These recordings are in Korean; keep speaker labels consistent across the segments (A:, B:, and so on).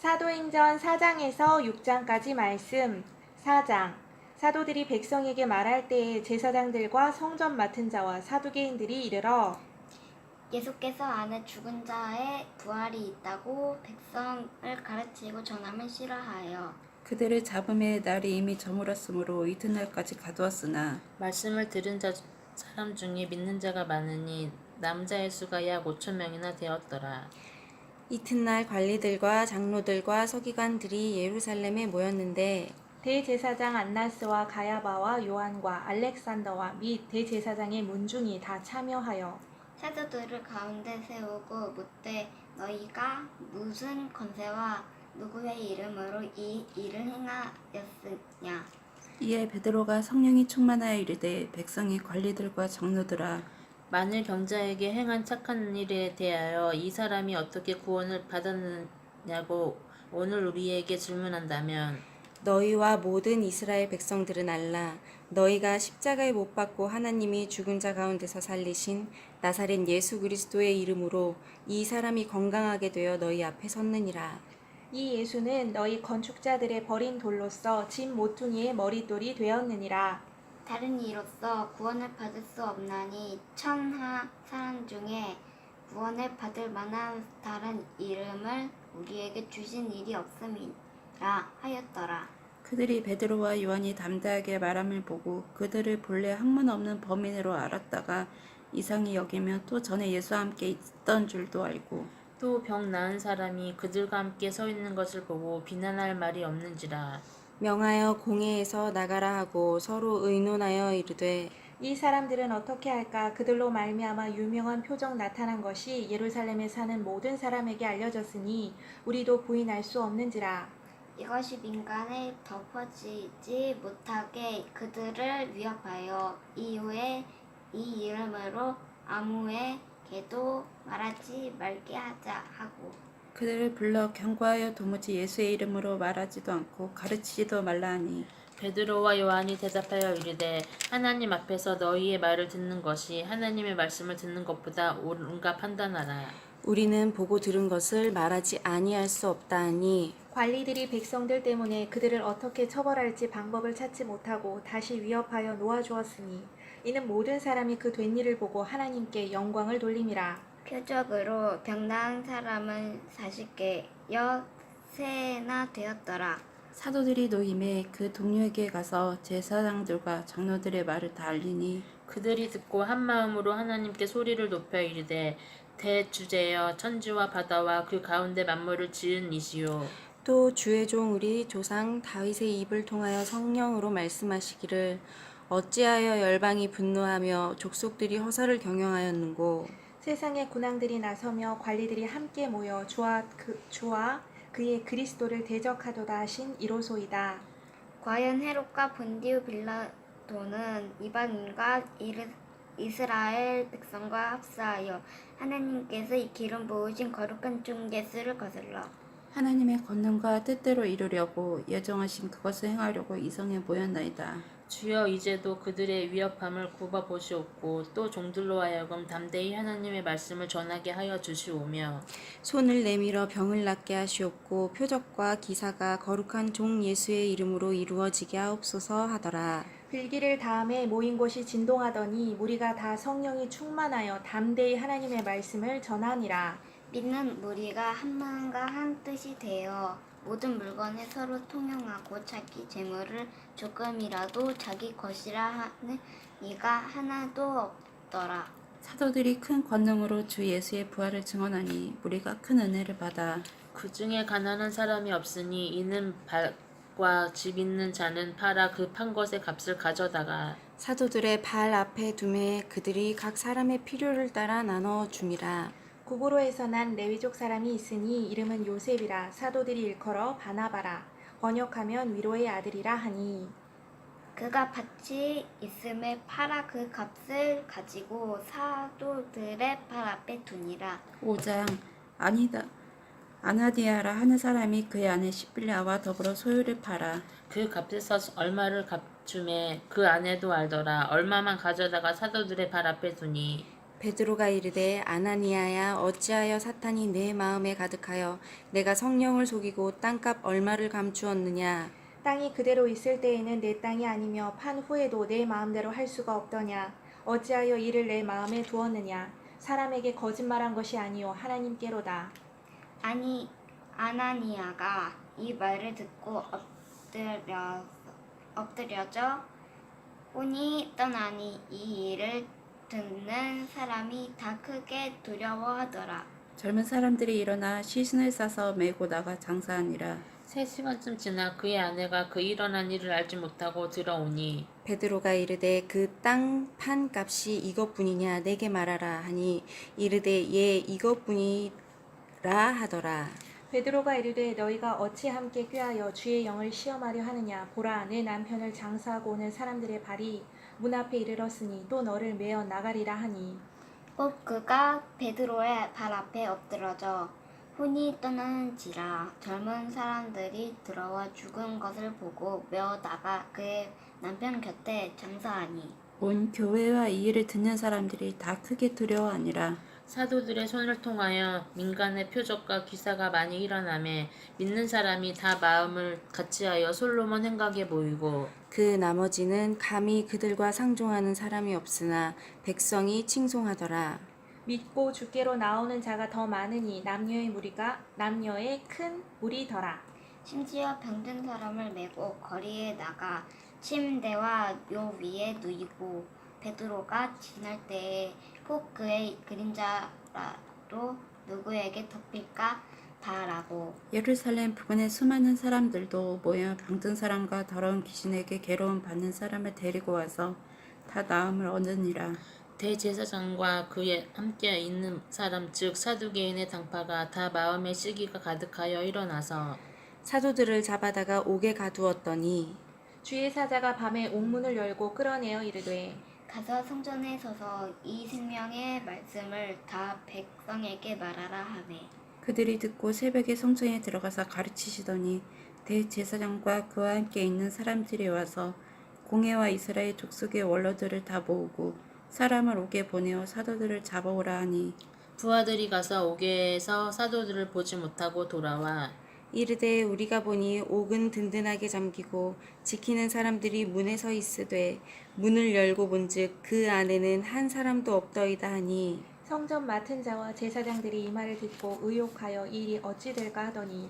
A: 사도행전 4장에서 6장까지 말씀. 4장. 사도들이 백성에게 말할 때에 제사장들과 성전 맡은 자와 사두개인들이 이르러
B: 예수께서 안에 죽은 자의 부활이 있다고 백성을 가르치고 전함을 싫어하여
C: 그들을 잡음에 날이 이미 저물었으므로 이튿날까지 가두었으나
D: 말씀을 들은 사람 중에 믿는 자가 많으니 남자의 수가 약 5,000명이나 되었더라.
C: 이튿날 관리들과 장로들과 서기관들이 예루살렘에 모였는데
A: 대제사장 안나스와 가야바와 요한과 알렉산더와 및 대제사장의 문중이 다 참여하여
B: 사도들을 가운데 세우고 묻되 너희가 무슨 권세와 누구의 이름으로 이 일을 행하였으냐.
C: 이에 베드로가 성령이 충만하여 이르되 백성의 관리들과 장로들아
D: 만일 병자에게 행한 착한 일에 대하여 이 사람이 어떻게 구원을 받았느냐고 오늘 우리에게 질문한다면
C: 너희와 모든 이스라엘 백성들은 알라 너희가 십자가에 못 박고 하나님이 죽은 자 가운데서 살리신 나사렛 예수 그리스도의 이름으로 이 사람이 건강하게 되어 너희 앞에 섰느니라.
A: 이 예수는 너희 건축자들의 버린 돌로서 집 모퉁이의 머릿돌이 되었느니라.
B: 다른 이로써 구원을 받을 수 없나니 천하 사람 중에 구원을 받을 만한 다른 이름을 우리에게 주신 일이 없음이라 하였더라.
C: 그들이 베드로와 요한이 담대하게 말함을 보고 그들을 본래 학문 없는 범인으로 알았다가 이상히 여기며 또 전에 예수와 함께 있던 줄도 알고
D: 또 병 나은 사람이 그들과 함께 서 있는 것을 보고 비난할 말이 없는지라.
C: 명하여 공회에서 나가라 하고 서로 의논하여 이르되
A: 이 사람들은 어떻게 할까? 그들로 말미암아 유명한 표적 나타난 것이 예루살렘에 사는 모든 사람에게 알려졌으니 우리도 부인할 수 없는지라.
B: 이것이 민간에 덮어지지 못하게 그들을 위협하여 이후에 이 이름으로 아무에게도 말하지 말게 하자 하고
C: 그들을 불러 경고하여 도무지 예수의 이름으로 말하지도 않고 가르치지도 말라 하니
D: 베드로와 요한이 대답하여 이르되 하나님 앞에서 너희의 말을 듣는 것이 하나님의 말씀을 듣는 것보다 옳은가 판단하라.
C: 우리는 보고 들은 것을 말하지 아니할 수 없다 하니
A: 관리들이 백성들 때문에 그들을 어떻게 처벌할지 방법을 찾지 못하고 다시 위협하여 놓아주었으니 이는 모든 사람이 그 된 일을 보고 하나님께 영광을 돌림이라.
B: 표적으로 병 나은 사람은 40개여 세나 되었더라.
C: 사도들이 노임에 그 동료에게 가서 제사장들과 장로들의 말을 다 알리니
D: 그들이 듣고 한 마음으로 하나님께 소리를 높여 이르되 대주제여 천지와 바다와 그 가운데 만물을 지은 이시요
C: 또 주의 종 우리 조상 다윗의 입을 통하여 성령으로 말씀하시기를 어찌하여 열방이 분노하며 족속들이 허사를 경영하였는고
A: 세상의 군왕들이 나서며 관리들이 함께 모여 주와 그의 그리스도를 대적하도다 하신 이로소이다.
B: 과연 헤롯과 본디오 빌라도는 이방인과 이스라엘 백성과 합사하여 하나님께서 이 기름 부으신 거룩한 중개수를 거슬러
C: 하나님의 권능과 뜻대로 이루려고 예정하신 그것을 행하려고 이성에 모였나이다.
D: 주여 이제도 그들의 위협함을 굽어 보시옵고 또 종들로 하여금 담대히 하나님의 말씀을 전하게 하여 주시오며
C: 손을 내밀어 병을 낫게 하시옵고 표적과 기사가 거룩한 종 예수의 이름으로 이루어지게 하옵소서 하더라.
A: 빌기를 다음에 모인 곳이 진동하더니 무리가 다 성령이 충만하여 담대히 하나님의 말씀을 전하니라.
B: 믿는 무리가 한 마음과 한 뜻이 되어 모든 물건을 서로 통용하고 자기 재물을 조금이라도 자기 것이라 하는 이가 하나도 없더라.
C: 사도들이 큰 권능으로 주 예수의 부활을 증언하니 무리가 큰 은혜를 받아
D: 그 중에 가난한 사람이 없으니 이는 밭과 집 있는 자는 팔아 그 판 것의 값을 가져다가
C: 사도들의 발 앞에 두매 그들이 각 사람의 필요를 따라 나눠 줌이라.
A: 구브로에서 난 레위족 사람이 있으니 이름은 요셉이라. 사도들이 일컬어 바나바라. 번역하면 위로의 아들이라 하니
B: 그가 밭이 있음에 팔아 그 값을 가지고 사도들의 발 앞에 두니라.
C: 5장 아나디아라 하는 사람이 그의 아내 시빌라와 더불어 소유를 팔아
D: 그 값에서 얼마를 값주매 그 아내도 알더라. 얼마만 가져다가 사도들의 발 앞에 두니
C: 베드로가 이르되 아나니아야 어찌하여 사탄이 내 마음에 가득하여 내가 성령을 속이고 땅값 얼마를 감추었느냐.
A: 땅이 그대로 있을 때에는 내 땅이 아니며 판 후에도 내 마음대로 할 수가 없더냐. 어찌하여 이를 내 마음에 두었느냐. 사람에게 거짓말한 것이 아니요 하나님께로다.
B: 아니 아나니아가 이 말을 듣고 엎드려져 혼이 떠나니 이 일을 듣는 사람이 다 크게 두려워하더라.
E: 젊은 사람들이 일어나 시신을 싸서 메고 나가 장사하니라.
D: 3시간쯤 지나 그의 아내가 그 일어난 일을 알지 못하고 들어오니
C: 베드로가 이르되 그 땅 판 값이 이것뿐이냐 내게 말하라 하니 이르되 예 이것뿐이라 하더라.
A: 베드로가 이르되 너희가 어찌 함께 꾀하여 주의 영을 시험하려 하느냐. 보라 내 남편을 장사하고 오는 사람들의 발이 문 앞에 이르렀으니 또 너를 메어 나가리라 하니
B: 곧 그가 베드로의 발 앞에 엎드러져 혼이 떠나는지라. 젊은 사람들이 들어와 죽은 것을 보고 메어 나가 그의 남편 곁에 장사하니
E: 온 교회와 이 일을 듣는 사람들이 다 크게 두려워하니라.
D: 사도들의 손을 통하여 민간의 표적과 기사가 많이 일어나매 믿는 사람이 다 마음을 같이하여 솔로몬 행각에 모이고
C: 그 나머지는 감히 그들과 상종하는 사람이 없으나 백성이 칭송하더라.
A: 믿고 주께로 나오는 자가 더 많으니 남녀의 큰 무리더라.
B: 심지어 병든 사람을 메고 거리에 나가 침대와 묘 위에 누이고 베드로가 지날 때에 꼭 그의 그림자라도 누구에게 덮일까 바라고.
E: 예루살렘 부근의 수많은 사람들도 모여 병든 사람과 더러운 귀신에게 괴로움 받는 사람을 데리고 와서 다 나음을 얻으니라.
D: 대제사장과 그에 함께 있는 사람 즉 사두개인의 당파가 다 마음의 시기가 가득하여 일어나서
C: 사도들을 잡아다가 옥에 가두었더니
A: 주의 사자가 밤에 옥문을 열고 끌어내어 이르되
B: 가서 성전에 서서 이 생명의 말씀을 다 백성에게 말하라 하매
E: 그들이 듣고 새벽에 성전에 들어가서 가르치시더니 대제사장과 그와 함께 있는 사람들이 와서 공회와 이스라엘 족속의 원로들을 다 모으고 사람을 옥에 보내어 사도들을 잡아오라 하니
D: 부하들이 가서 옥에서 사도들을 보지 못하고 돌아와
C: 이르되 우리가 보니 옥은 든든하게 잠기고 지키는 사람들이 문에 서 있으되 문을 열고 본즉 그 안에는 한 사람도 없더이다 하니
A: 성전 맡은 자와 제사장들이 이 말을 듣고 의혹하여 이 일이 어찌 될까 하더니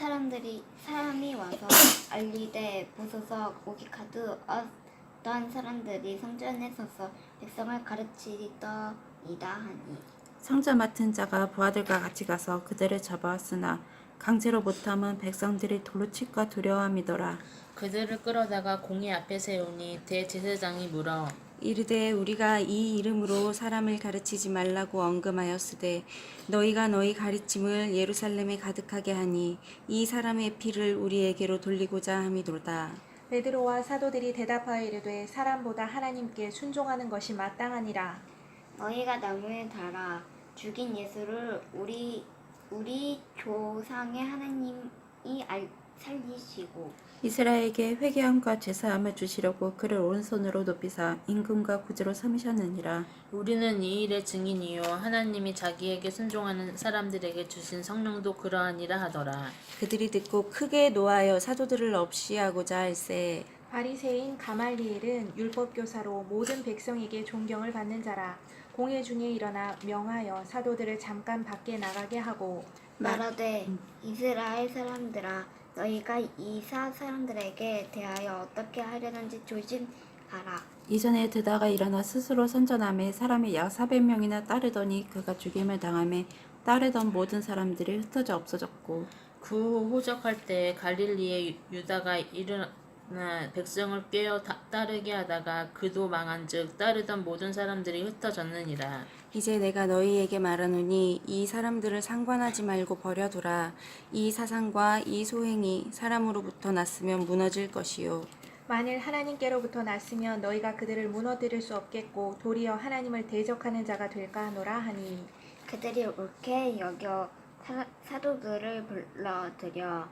B: 사람이 와서 알리되 보소서 옥이 가득 어떤 사람들이 성전에 서서 백성을 가르치더이다 하니
E: 성전 맡은 자가 부하들과 같이 가서 그들을 잡아왔으나 강제로 못함은 백성들이 돌로 칠까 두려워함이더라.
D: 그들을 끌어다가 공회 앞에 세우니 대제사장이 물어
C: 이르되 우리가 이 이름으로 사람을 가르치지 말라고 언금하였으되 너희가 너희 가르침을 예루살렘에 가득하게 하니 이 사람의 피를 우리에게로 돌리고자 함이도다.
A: 베드로와 사도들이 대답하여 이르되 사람보다 하나님께 순종하는 것이 마땅하니라.
B: 너희가 나무에 달아 죽인 예수를 우리 조상의 하나님이 살리시고
E: 이스라엘에게 회개함과 제사함을 주시려고 그를 오른손으로 높이사 임금과 구주로 삼으셨느니라.
D: 우리는 이 일의 증인이요 하나님이 자기에게 순종하는 사람들에게 주신 성령도 그러하니라 하더라.
C: 그들이 듣고 크게 노하여 사도들을 없이하고자 할세
A: 바리새인 가말리엘은 율법교사로 모든 백성에게 존경을 받는 자라. 공회 중에 일어나 명하여 사도들을 잠깐 밖에 나가게 하고
B: 말하되 이스라엘 사람들아 너희가 이사 사람들에게 대하여 어떻게 하려는지 조심하라.
E: 이전에 드다가 일어나 스스로 선전함에 사람이 약 400명이나 따르더니 그가 죽임을 당함에 따르던 모든 사람들이 흩어져 없어졌고
D: 그 후 호적할 때 갈릴리의 유다가 일어나 백성을 꿰어 따르게 하다가 그도 망한즉 따르던 모든 사람들이 흩어졌느니라.
C: 이제 내가 너희에게 말하노니 이 사람들을 상관하지 말고 버려두라. 이 사상과 이 소행이 사람으로부터 났으면 무너질 것이요
A: 만일 하나님께로부터 났으면 너희가 그들을 무너뜨릴 수 없겠고 도리어 하나님을 대적하는 자가 될까 하노라 하니
B: 그들이 옳게 여겨 사도들을 불러들여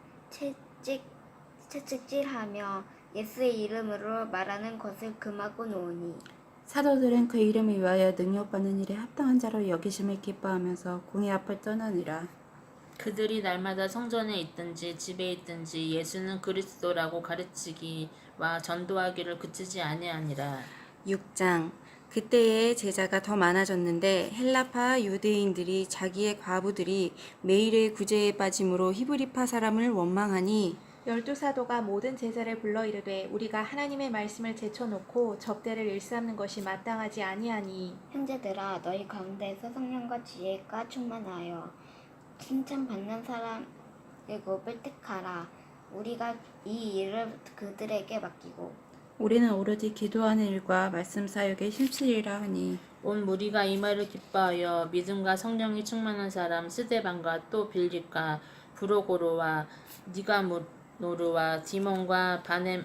B: 채찍질하며 예수의 이름으로 말하는 것을 금하고 놓으니
E: 사도들은 그 이름을 위하여 능력받는 일에 합당한 자로 여기심을 기뻐하면서 공회 앞을 떠나니라.
D: 그들이 날마다 성전에 있든지 집에 있든지 예수는 그리스도라고 가르치기와 전도하기를 그치지 아니하니라.
C: 6장 그때에 제자가 더 많아졌는데 헬라파 유대인들이 자기의 과부들이 매일의 구제에 빠짐으로 히브리파 사람을 원망하니
A: 12사도가 모든 제자를 불러 이르되 우리가 하나님의 말씀을 제쳐놓고 접대를 일삼는 것이 마땅하지 아니하니
B: 형제들아 너희 가운데서 성령과 지혜가 충만하여 칭찬받는 사람 7을 택하라. 우리가 이 일을 그들에게 맡기고
E: 우리는 오로지 기도하는 일과 말씀 사역에 힘쓰리라 하니
D: 온 무리가 이 말을 기뻐하여 믿음과 성령이 충만한 사람 스데반과 또 빌립과 브로고로와 니가노르와 디몬과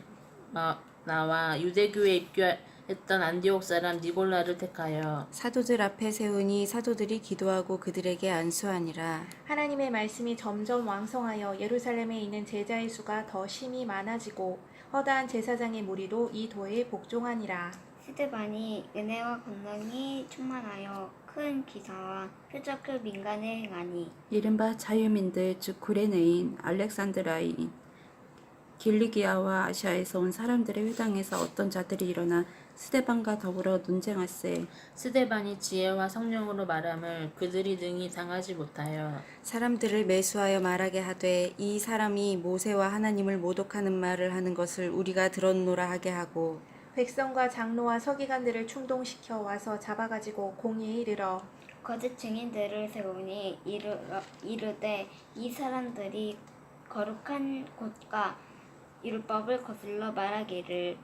D: 바네나와 유대교에 입교했던 안디옥 사람 니골라를 택하여
C: 사도들 앞에 세우니 사도들이 기도하고 그들에게 안수하니라.
A: 하나님의 말씀이 점점 왕성하여 예루살렘에 있는 제자의 수가 더 심히 많아지고 허다한 제사장의 무리도 이 도에 복종하니라.
B: 스데반이 은혜와 권능이 충만하여 큰 기사와 표적을 민간에 행하니
E: 이른바 자유민들 즉 구레네인, 알렉산드라인, 길리기아와 아시아에서 온 사람들의 회당에서 어떤 자들이 일어나 스데반과 더불어 논쟁할세.
D: 스데반이 지혜와 성령으로 말함을 그들이 능히 당하지 못하여
C: 사람들을 매수하여 말하게 하되 이 사람이 모세와 하나님을 모독하는 말을 하는 것을 우리가 들었노라 하게 하고
A: 백성과 장로와 서기관들을 충동시켜 와서 잡아가지고 공의에 이르러
B: 거짓 증인들을 세우니 이르되 이 사람들이 거룩한 곳과 율법을 거슬러 말하기를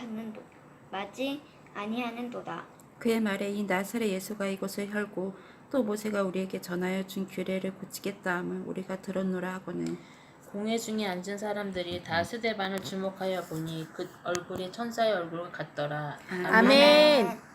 B: 맞이 아니하는도다.
E: 그의 말에 이 나사렛 예수가 이곳을 혈고 또 모세가 우리에게 전하여 준 규례를 고치겠다 함을 우리가 들었노라 하거늘.
D: 공회 중에 앉은 사람들이 다 스데반을 주목하여 보니 그 얼굴이 천사의 얼굴과 같더라.
C: 아멘.